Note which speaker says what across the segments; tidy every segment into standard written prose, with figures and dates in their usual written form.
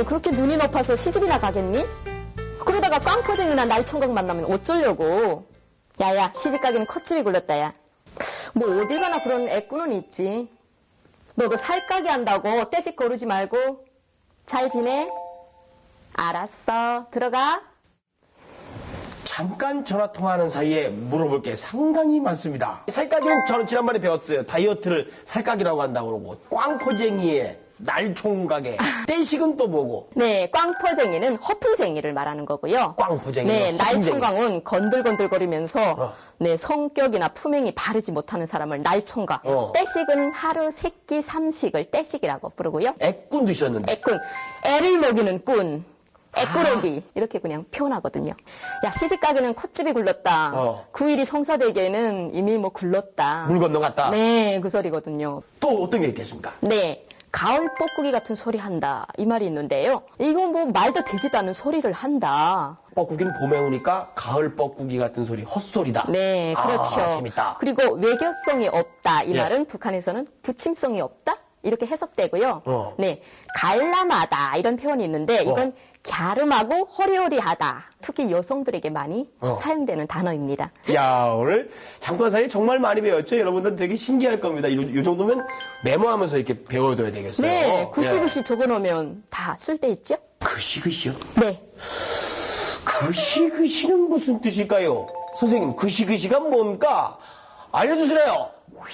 Speaker 1: 그렇게 눈이 높아서 시집이나 가겠니? 그러다가 깡포쟁이나 날총각 만나면 어쩌려고. 야야, 시집 가기는 콧집이 굴렀다, 야. 뭐 어딜 가나 그런 애꾸는 있지. 너도 살가기 한다고 떼씩 거르지 말고 잘 지내? 알았어, 들어가.
Speaker 2: 잠깐 전화 통화하는 사이에 물어볼 게 상당히 많습니다. 살까기는 저는 지난번에 배웠어요. 다이어트를 살까기라고 한다고 그러고, 꽝포쟁이에 날총각에 떼식은 또 뭐고?
Speaker 1: 네, 꽝포쟁이는 허풍쟁이를 말하는 거고요.
Speaker 2: 꽝포쟁이.
Speaker 1: 네, 날총각은 건들건들거리면서 네, 성격이나 품행이 바르지 못하는 사람을 날총각. 떼식은 하루 세끼 삼식을 떼식이라고 부르고요.
Speaker 2: 애꾼도 있었는데.
Speaker 1: 애꾼, 애를 먹이는 꾼. 애꾸러기 이렇게 그냥 표현하거든요. 야, 시집 가기는 콧집이 굴렀다. 9일이 성사되기에는 이미 뭐 굴렀다.
Speaker 2: 물 건너갔다.
Speaker 1: 네, 그 소리거든요.
Speaker 2: 또 어떤 게 있겠습니까?
Speaker 1: 네, 가을 뻐꾸기 같은 소리 한다 이 말이 있는데요. 이거 뭐 말도 되지도 않은 소리를 한다.
Speaker 2: 뻐꾸기는 봄에 오니까 가을 뻐꾸기 같은 소리 헛소리다.
Speaker 1: 네, 그렇죠.
Speaker 2: 아, 재밌다.
Speaker 1: 그리고 외교성이 없다 이
Speaker 2: 예.
Speaker 1: 말은 북한에서는 부침성이 없다 이렇게 해석되고요. 네, 갈람하다 이런 표현이 있는데 이건 갸름하고 허리허리하다. 특히 여성들에게 많이 사용되는 단어입니다.
Speaker 2: 야, 오늘 잠깐 사이에 정말 많이 배웠죠? 여러분들 되게 신기할 겁니다. 이 정도면 메모하면서 이렇게 배워둬야 되겠어요.
Speaker 1: 네, 구시구시
Speaker 2: 예.
Speaker 1: 적어놓으면 다 쓸데있죠?
Speaker 2: 그시그시요?
Speaker 1: 네.
Speaker 2: 그시그시는 무슨 뜻일까요? 선생님, 그시그시가 뭡니까? 알려주시래요.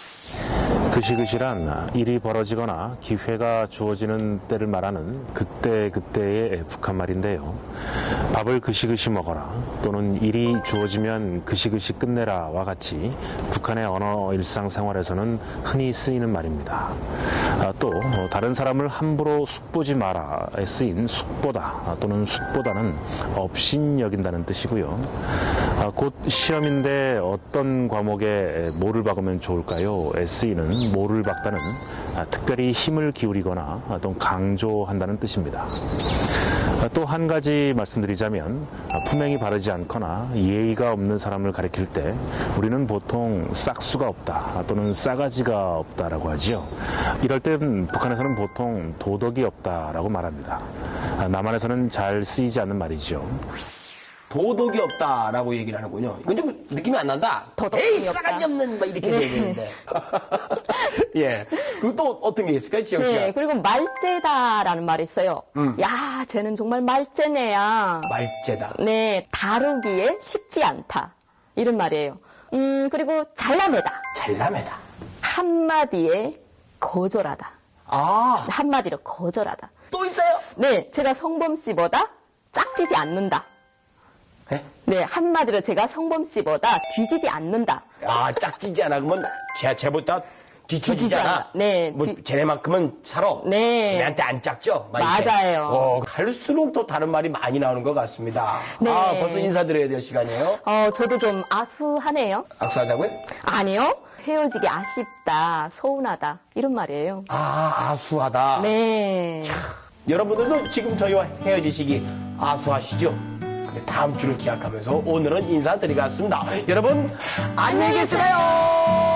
Speaker 3: 그시그시란 일이 벌어지거나 기회가 주어지는 때를 말하는 그때그때의 북한말인데요. 밥을 그시그시 먹어라 또는 일이 주어지면 그시그시 끝내라와 같이 북한의 언어 일상생활에서는 흔히 쓰이는 말입니다. 또 다른 사람을 함부로 숙보지 마라에 쓰인 숙보다 또는 숫보다는 업신여긴다는 뜻이고요. 곧 시험인데 어떤 과목에 뭐를 박으면 좋을까요? 에 쓰이는 뭐를 박다는 특별히 힘을 기울이거나 또 강조한다는 뜻입니다. 또 한 가지 말씀드리자면 품행이 바르지 않거나 예의가 없는 사람을 가리킬 때 우리는 보통 싹수가 없다 또는 싸가지가 없다라고 하지요. 이럴 땐 북한에서는 보통 도덕이 없다라고 말합니다. 남한에서는 잘 쓰이지 않는 말이죠.
Speaker 2: 도덕이 없다라고 얘기를 하는군요. 이건 좀 느낌이 안 난다.
Speaker 1: 도덕이
Speaker 2: 에이,
Speaker 1: 없다.
Speaker 2: 싸가지 없는, 막 이렇게 되는데. 예. 그리고 또 어떤 게 있을까요, 지영 씨가?
Speaker 1: 네, 그리고 말재다라는 말이 있어요. 야, 쟤는 정말 말재네야.
Speaker 2: 말재다.
Speaker 1: 네, 다루기에 쉽지 않다. 이런 말이에요. 그리고 잘라매다.
Speaker 2: 잘라매다.
Speaker 1: 한마디에 거절하다.
Speaker 2: 아,
Speaker 1: 한마디로 거절하다.
Speaker 2: 또 있어요?
Speaker 1: 네, 제가 성범 씨보다 짝지지 않는다.
Speaker 2: 네?
Speaker 1: 네, 한마디로 제가 성범 씨보다 뒤지지 않는다.
Speaker 2: 아, 짝지지 않아. 그러면 쟤보다 뒤처지지 않아.
Speaker 1: 네,
Speaker 2: 뭐, 쟤네만큼은 살아.
Speaker 1: 네.
Speaker 2: 쟤네한테 안 짝죠? 막 이렇게.
Speaker 1: 맞아요.
Speaker 2: 갈수록 더 다른 말이 많이 나오는 것 같습니다.
Speaker 1: 네.
Speaker 2: 아, 벌써 인사드려야 될 시간이에요.
Speaker 1: 저도 좀 아수하네요.
Speaker 2: 악수하자고요?
Speaker 1: 아니요. 헤어지기 아쉽다, 서운하다 이런 말이에요.
Speaker 2: 아, 아수하다.
Speaker 1: 네.
Speaker 2: 여러분들도 지금 저희와 헤어지시기 아수하시죠? 근데 다음 주를 기약하면서 오늘은 인사드리겠습니다. 여러분, 안녕히 계세요!